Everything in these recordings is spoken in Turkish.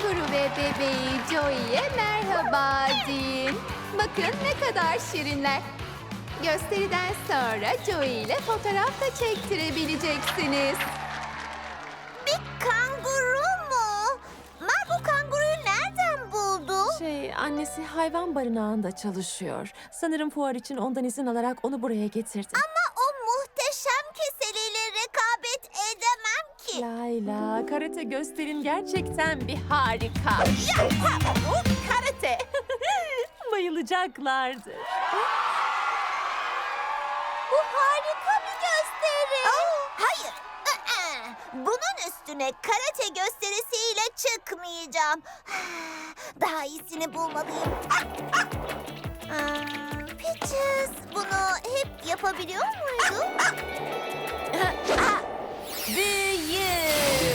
Kanguru ve bebeği Joey'e merhaba deyin. Bakın ne kadar şirinler. Gösteriden sonra Joey ile fotoğraf da çektirebileceksiniz. Bir kanguru mu? Marco kanguruyu nereden buldu? Annesi hayvan barınağında çalışıyor. Sanırım fuar için ondan izin alarak onu buraya getirdi. Ama o muhteşem keseliyle rekabet edemem ki. Layla, karate gösterin gerçekten bir harika. Karate. Bayılacaklardır. Bu harika bir gösteri. Hayır. Bunun üstüne karate gösterisiyle çıkmayacağım. Daha iyisini bulmalıyım. Peaches bunu hep yapabiliyor muydu? Büyü!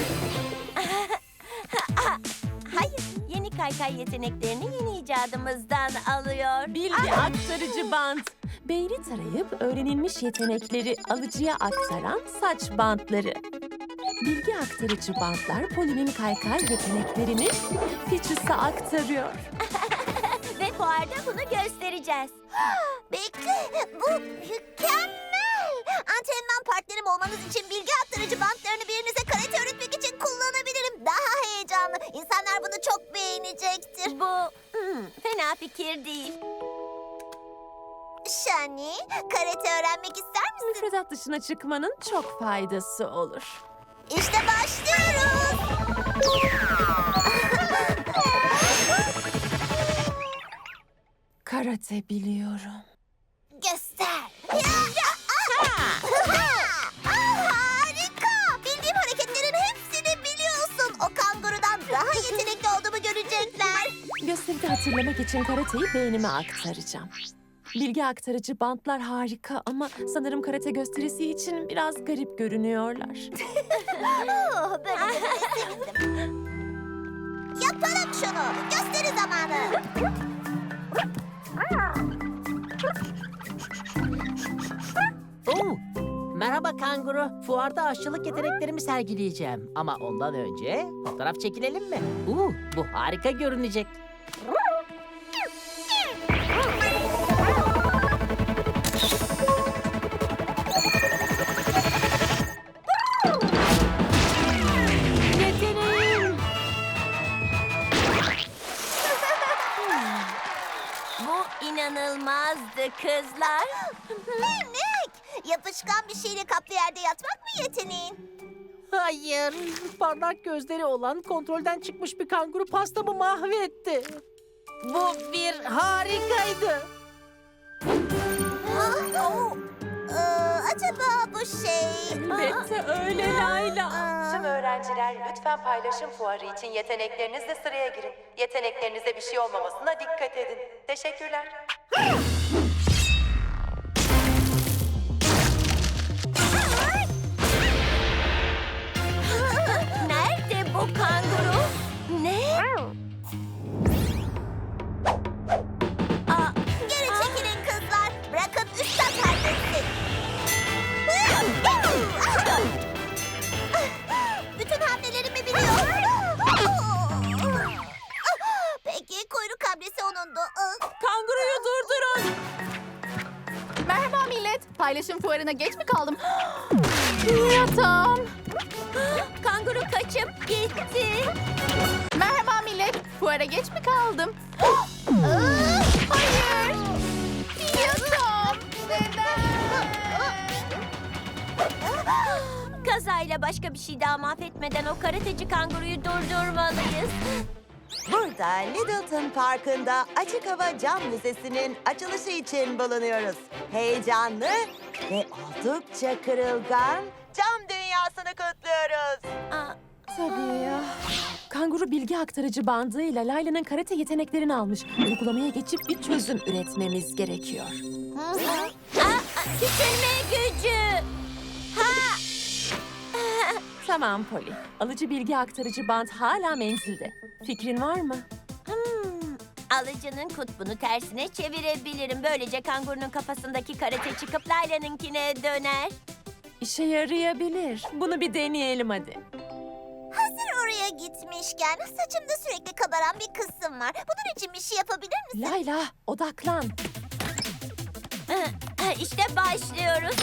Hayır, yeni kaykay yeteneklerini yeni icadımızdan alıyor. Bilgi aktarıcı bant. Beyni tarayıp öğrenilmiş yetenekleri alıcıya aktaran saç bantları. Bilgi aktarıcı bantlar Poli'nin kaykay yeteneklerini Peaches'a aktarıyor. Ve fuarda bunu göstereceğiz. Bekle, bu mükemmel. Antrenman partnerim olmanız için bilgi aktarıcı bantlarını birinize karate öğretmek için kullanabilirim. Daha heyecanlı. İnsanlar bunu çok beğenecektir. Bu fena fikir değil. Shani, karate öğrenmek ister misin? Müfredat dışına çıkmanın çok faydası olur. İşte başlıyoruz. Karate biliyorum. Göster. Harika. Bildiğim hareketlerin hepsini biliyorsun. O kangurudan daha yetenekli olduğumu görecekler. Gösteride hatırlamak için karateyi beynime aktaracağım. Bilgi aktarıcı bantlar harika ama sanırım karate gösterisi için biraz garip görünüyorlar. Böyle sevindim. Yapalım şunu. Gösteri zamanı. Merhaba kanguru. Fuarda aşçılık yeteneklerimi sergileyeceğim. Ama ondan önce fotoğraf çekilelim mi? Bu harika görünecek. Yeteneğim! Bu inanılmazdı kızlar. Minik. Yapışkan bir şeyle kaplı yerde yatmak mı yeteneğin? Hayır. Parlak gözleri olan kontrolden çıkmış bir kanguru pastamı mahvetti. Bu bir harikaydı. Acaba bu şey... Elbette öyle Layla. Tüm öğrenciler lütfen paylaşım fuarı için yeteneklerinizle sıraya girin. Yeteneklerinize bir şey olmamasına dikkat edin. Teşekkürler. Nerede bu kanguru? Ne? Geri çekilin kızlar. Bırakın üstad halletsin. Bütün hamlelerimi biliyor. Peki kuyruk hamlesi onundu. Kanguruyu durdurun. Merhaba millet. Paylaşım fuarına geç mi kaldım? Yatağım. Kanguru kaçıp gitti. Merhaba millet. Fuara geç mi kaldım? Hayır. Yatağım. Neden? Kazayla başka bir şey daha mahvetmeden o karateci kanguruyu durdurmalıyız. Burada Littleton Parkı'nda Açık Hava Cam Müzesi'nin açılışı için bulunuyoruz. Heyecanlı ve oldukça kırılgan cam dünyasını kutluyoruz. Tabii ya. Kanguru bilgi aktarıcı bandıyla Layla'nın karate yeteneklerini almış. Uygulamaya geçip bir çözüm üretmemiz gerekiyor. Küçülme gücü. Tamam Polly. Alıcı bilgi aktarıcı bant hala menzilde. Fikrin var mı? Alıcının kutbunu tersine çevirebilirim. Böylece kangurunun kafasındaki karate çıkıp Layla'nınkine döner. İşe yarayabilir. Bunu bir deneyelim hadi. Hazır oraya gitmişken saçımda sürekli kabaran bir kısım var. Bunun için bir şey yapabilir misin? Layla, odaklan. İşte başlıyoruz.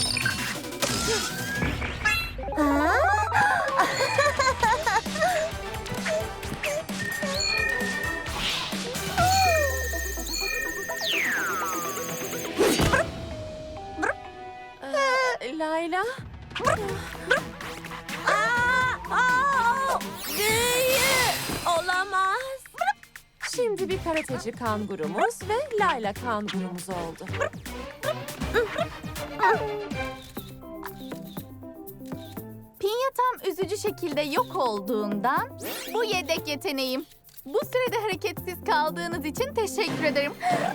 Layla, Büyü! Olamaz. şimdi bir karateci kangurumuz ve Layla kangurumuz oldu. Pinyatam üzücü şekilde yok olduğundan bu yedek yeteneğim. Bu sürede hareketsiz kaldığınız için teşekkür ederim.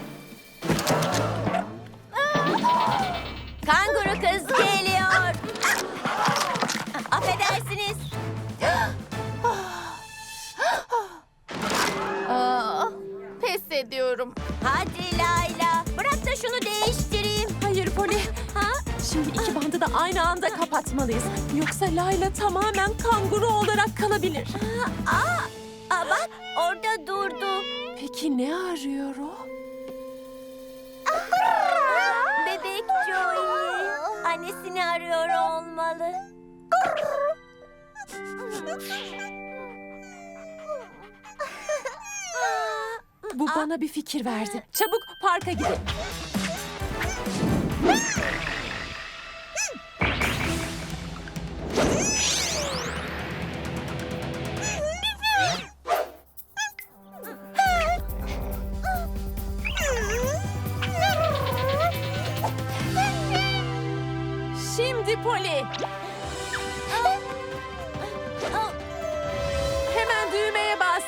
Kanguru kız geliyor. Affedersiniz. Pes ediyorum. Hadi Layla. Bırak da şunu değiştireyim. Hayır Poli, Ha? şimdi iki bandı da aynı anda kapatmalıyız. Yoksa Layla tamamen kanguru olarak kalabilir. Bak orada durdu. Peki ne arıyor o? Bebek Joey. Annesini arıyor olmalı. Bu bana bir fikir verdi. Çabuk parka gidelim. Şimdi Poli. Hemen düğmeye bas.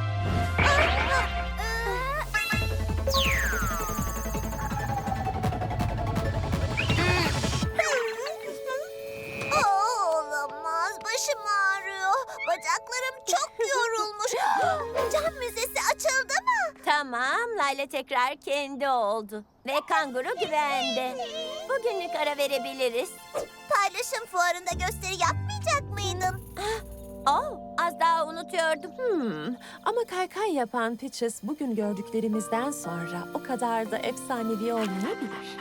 Olamaz. Başım ağrıyor. Bacaklarım çok yorulmuş. Cam müzesi açıldı mı? Tamam, Layla tekrar kendi oldu. Ve kanguru güvende. Bugünlük ara verebiliriz. Paylaşım fuarında gösteri yapmayacak mıydın? Az daha unutuyordum. Ama kaykay yapan Peaches bugün gördüklerimizden sonra o kadar da efsanevi olmayabilir.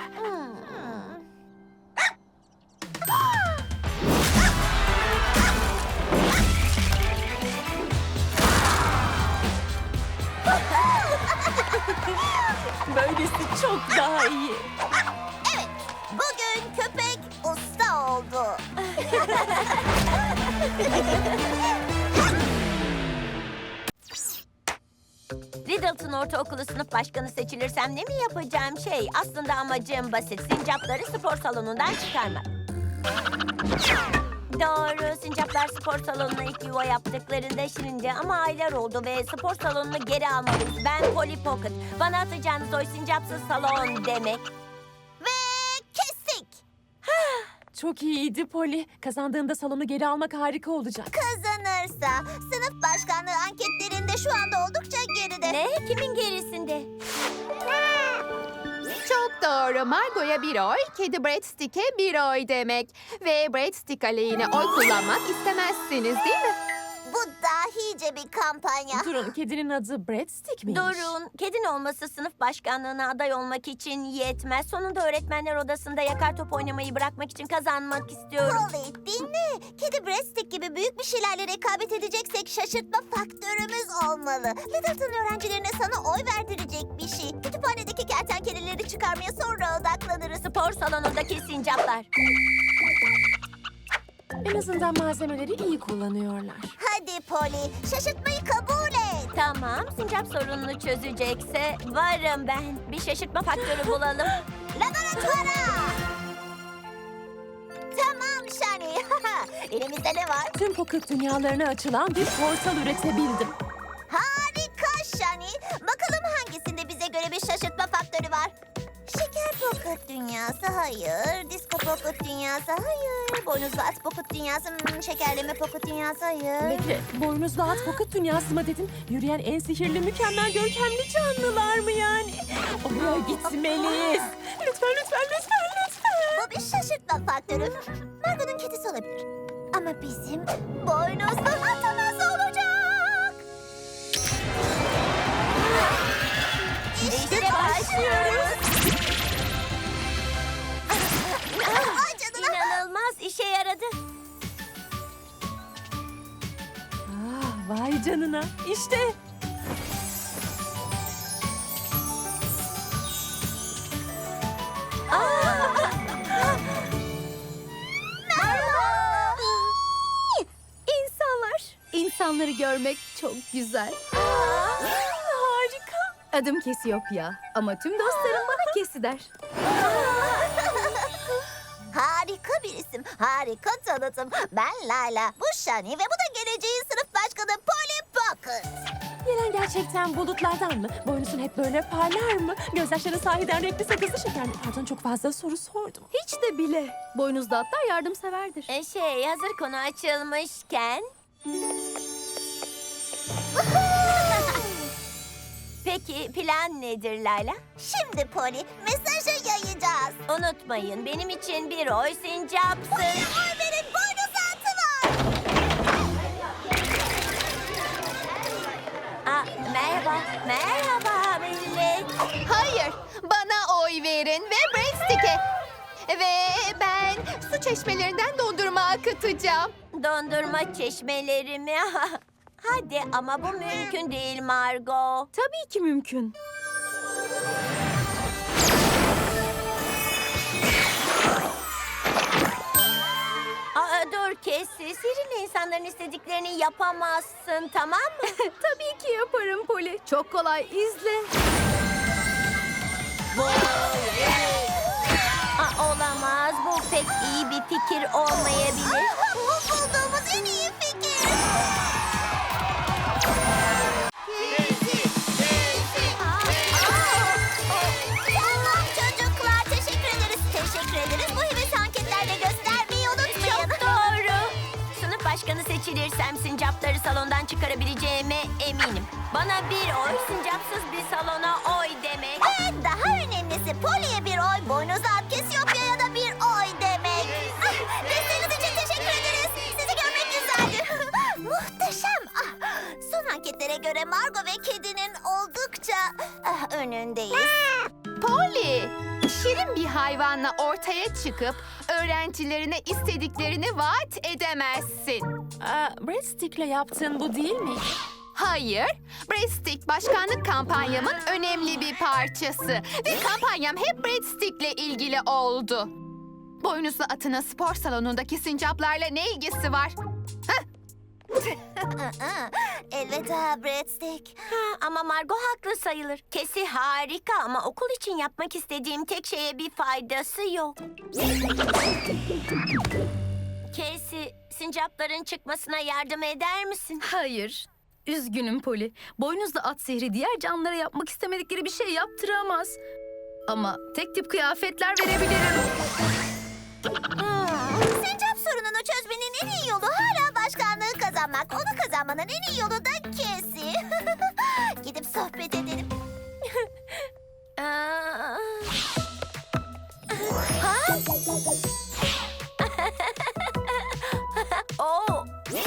Böylesi çok daha iyi. Evet. Bugün köpek usta oldu. Riddleton Ortaokulu sınıf başkanı seçilirsem ne mi yapacağım şey? Aslında amacım basit. Sincapları spor salonundan çıkarmak. Doğru. Sincaplar spor salonuna ilk yuva yaptıklarında şirindi ama aylar oldu ve spor salonunu geri almalıyız. Ben Polly Pocket. Bana atacağınız oy sincapsız salon demek. Ve kestik. Çok iyiydi Poli. Kazandığında salonu geri almak harika olacak. Kazanırsa sınıf başkanlığı anketlerinde şu anda oldukça geride. Ne? Kimin gerisinde? Çok doğru. Margo'ya bir oy, kedi Breadstick'e bir oy demek. Ve Breadstick aleyhine oy kullanmak istemezsiniz değil mi? Bu dahice bir kampanya. Durun, kedinin adı Breadstick miymiş? Durun. Kedin olması sınıf başkanlığına aday olmak için yetmez. Sonunda öğretmenler odasında yakar top oynamayı bırakmak için kazanmak istiyorum. Polly dinle. Kedi Breadstick gibi büyük bir şeylerle rekabet edeceksek şaşırtma faktörümüz olmalı. Littleton öğrencilerine sana oy verdirecek bir şey. Kütüphanedeki kertenkeleleri çıkarmaya sonra odaklanırız. Spor salonundaki sincaplar. En azından malzemeleri iyi kullanıyorlar. Hadi Polly, şaşırtmayı kabul et. Tamam, sincap sorununu çözecekse varım ben. Bir şaşırtma faktörü bulalım. Laboratuvara! Tamam Shani. Elimizde ne var? Tüm pocket dünyalarına açılan bir portal üretebildim. Harika Shani. Bakalım hangisinde bize göre bir şaşırtma faktörü var? Şeker pocket dünyası hayır. Disco pocket dünyası hayır. Boynuzlu at pocket dünyası şekerleme pocket dünyası hayır. Bekle, boynuzlu at pocket dünyası mı dedin? Yürüyen en sihirli, mükemmel, görkemli canlılar mı yani? Oraya gitmeliyiz. Lütfen, lütfen, lütfen, lütfen. Bu bir şaşırtma faktörü. Margo'nun kedisi olabilir. Ama bizim boynuzlu atımız olacak. başlıyoruz. Vay canına. İnanılmaz, işe yaradı. Vay canına. İşte. İnsanları görmek çok güzel. Harika. Adım Cassiopeia ama tüm dostlarım bana Kesi der. Harika bir isim, harika tanıtım. Ben Layla, bu Shani ve bu da geleceğin sınıf başkanı Polly Pocket. Gelen gerçekten bulutlardan mı? Boynuzun hep böyle parlar mı? Gözyaşları sahiden renkli sakızlı şeker mi? Pardon, çok fazla soru sordum. Hiç de bile. Boynuzlu atlar yardımseverdir. Hazır konu açılmışken... Peki plan nedir Layla? Şimdi Polly, mesajı yayacağız. Unutmayın, benim için bir oy sincapsın. Orbe'nin boynuz atı var. Merhaba millet. Hayır, bana oy verin ve Breadstick'e. Ve ben su çeşmelerinden dondurma akıtacağım. Dondurma çeşmeleri mi? Hadi ama bu mümkün değil Margot. Tabii ki mümkün. Dur Cassie, sihirli insanların istediklerini yapamazsın, tamam mı? Tabii ki yaparım Polly. Çok kolay, izle. Olamaz, bu pek iyi bir fikir olmayabilir. Bu bulduğumuz en iyi fikir. Tamam çocuklar, teşekkür ederiz. Teşekkür ederiz. Bu heves anketlerde göstermeyi unutmayın. Çok doğru. Sınıf başkanı seçilirsem sincapları salondan çıkarabileceğime eminim. Bana bir oy, sincapsız bir salona oy demek. Ve daha önemlisi Polly'e bir oy, boynuzlu at Cassiopeia'ya da bir oy demek. Desteğiniz için teşekkür ederiz. Sizi görmek güzeldi. Muhteşem. Son anketlere göre Margot ve kedinin oldukça önündeyiz. Polly, şirin bir hayvanla ortaya çıkıp öğrencilerine istediklerini vaat edemezsin. Breadstick'le yaptığın bu değil mi? Hayır, Breadstick başkanlık kampanyamın önemli bir parçası. Ve kampanyam hep Breadstick'le ilgili oldu. Boynuzlu atının spor salonundaki sincaplarla ne ilgisi var? Elveda Breadstick. Ama Margot haklı sayılır. Kesi harika ama okul için yapmak istediğim tek şeye bir faydası yok. Kesi, sincapların çıkmasına yardım eder misin? Hayır. Üzgünüm Polly. Boynuzlu at sihri diğer canlılara yapmak istemedikleri bir şey yaptıramaz. Ama tek tip kıyafetler verebilirim. Sincap sorununu çözmenin en iyi yolu hala başkanlığı kazanmak. Onu kazanmanın en iyi yolu da Cassie. Gidip sohbet edelim. Aa, Oo.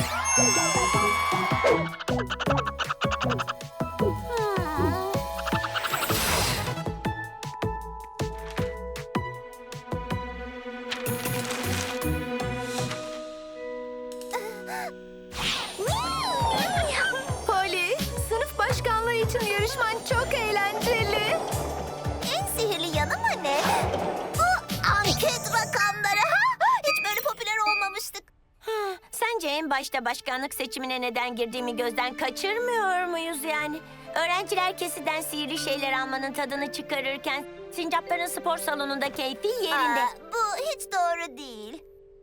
Polly, sınıf başkanlığı için yarışman çok eğlenceli. En sihirli yanı mı ne? Bu anket rakamları. Hiç böyle popüler olmamıştık. Sence en başta başkanlık seçimine neden girdiğimi gözden kaçırmıyor muyuz yani? Öğrenciler kesiden sihirli şeyler almanın tadını çıkarırken sincapların spor salonunda keyfi yerinde. Bu hiç doğru değil.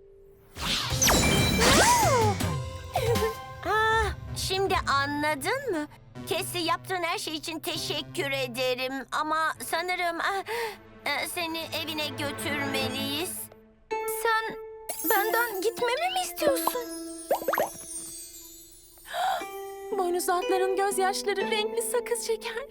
Şimdi anladın mı? Kesi, yaptığın her şey için teşekkür ederim ama sanırım seni evine götürmeliyiz. Sen benden gitmemi mi istiyorsun? Boynuzlu atların gözyaşları renkli sakız şeker.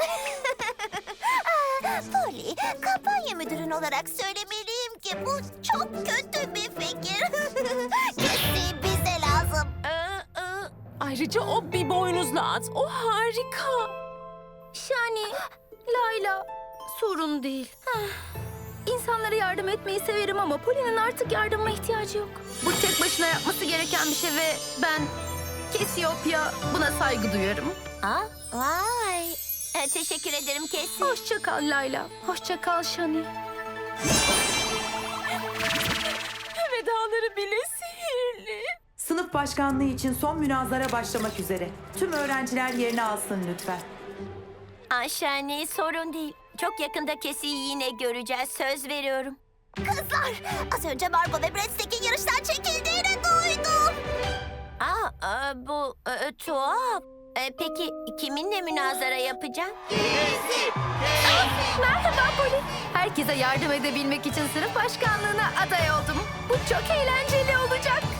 Polly, kampanya müdürün olarak söylemeliyim ki bu çok kötü bir fikir. Cassie bize lazım. Ayrıca o bir boynuzlu at. O harika. Shani, Layla, sorun değil. İnsanlara yardım etmeyi severim ama Poli'nin artık yardıma ihtiyacı yok. Bu tek başına yapması gereken bir şey ve ben Cassiopeia buna saygı duyarım. Aa, vay. Teşekkür ederim Cassie. Hoşça kal Layla. Hoşça kal Shani. Vedaları bile sihirli. Sınıf başkanlığı için son münazara başlamak üzere. Tüm öğrenciler yerini alsın lütfen. Şani, sorun değil. Çok yakında Cassie'yi yine göreceğiz. Söz veriyorum. Kızlar, az önce Margot ve Breadstickin yarıştan çekildiğini duydum. Bu tuhaf. Peki kiminle münazara yapacağım? Merhaba Poli. Herkese yardım edebilmek için sınıf başkanlığına aday oldum. Bu çok eğlenceli olacak.